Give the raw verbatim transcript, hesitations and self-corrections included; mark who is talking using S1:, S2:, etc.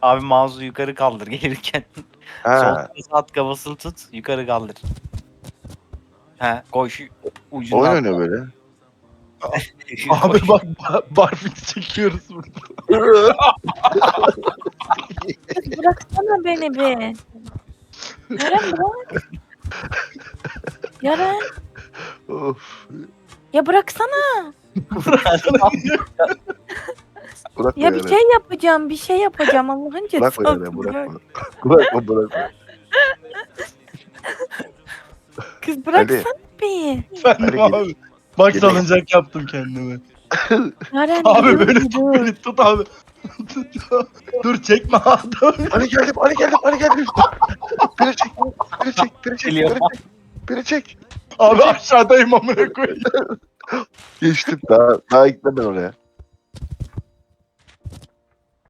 S1: Abi mouse'u yukarı kaldır gelirken. Sol
S2: Ha.
S1: tarafa at, kafasını tut, yukarı kaldır. He, koy şu ucunu
S2: Oyun
S1: al.
S2: oynuyor böyle.
S3: Abi bak ba- barfix çekiyoruz burada.
S4: Kız bıraksana beni be. Yaren bırak. Yaren.
S2: Of.
S4: Ya bıraksana.
S2: Bırakma
S4: Ya bir
S2: yani.
S4: şey yapacağım. Bir şey yapacağım. Allah'ın
S2: Bırakma
S4: cezası.
S2: yani bırakma. Bırakma bırakma.
S4: Kız bıraksana bir.
S3: Efendim
S2: Hadi
S3: abi. Bak
S2: Gel-
S3: salıncak yaptım kendime.
S4: Yaren
S3: Abi
S4: dur,
S3: böyle tut
S4: dur.
S3: beni tut abi. Dur çekme abi.
S2: Ali geldim Ali geldim Ali geldim. Beni çek. Beni çek. Beni çek.
S1: Geliyor.
S2: Beni çek. Beni çek.
S3: Abi aşağıdayım amına koyayım.
S2: Geçtim. Daha, daha gitmem ben oraya.